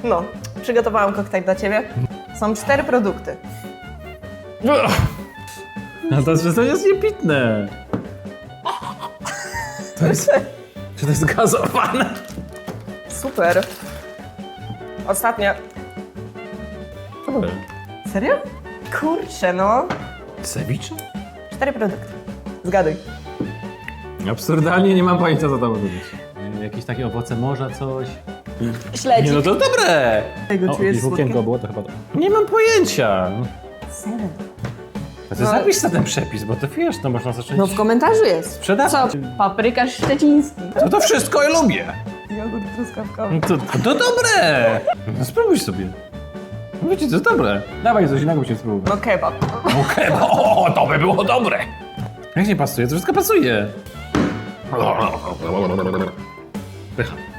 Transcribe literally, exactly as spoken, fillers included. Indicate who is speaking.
Speaker 1: No, przygotowałam koktajl dla ciebie. Są cztery produkty.
Speaker 2: No to jest, to jest niepitne. To jest... Czy to jest gazowane?
Speaker 1: Super. Ostatnia. Serio? Kurczę, no.
Speaker 2: Ceviche?
Speaker 1: Cztery produkty. Zgaduj.
Speaker 2: Absurdalnie nie mam pojęcia, co to może być. Jakieś takie owoce morza, coś.
Speaker 1: Śledzik.
Speaker 2: Nie, no to dobre!
Speaker 1: Tego
Speaker 2: O,
Speaker 1: czujesz
Speaker 2: jakieś włókienko
Speaker 1: słodkie?
Speaker 2: było, to chyba to. Nie mam pojęcia.
Speaker 1: Seven.
Speaker 2: To ty
Speaker 1: No.
Speaker 2: zapisz na ten przepis, bo to wiesz, to można zacząć...
Speaker 1: No w komentarzu jest.
Speaker 2: Sprzedawać.
Speaker 1: Co? Paprykarz szczeciński.
Speaker 2: To to wszystko ja lubię.
Speaker 1: Jogurt truskawkowy.
Speaker 2: No to, to, to dobre! No spróbuj sobie. No wiecie, to jest dobre. Dawaj coś innego się spróbuj.
Speaker 1: No kebab.
Speaker 2: Okej, okay, o, to by było dobre. Jak nie pasuje, to wszystko pasuje. Pycha.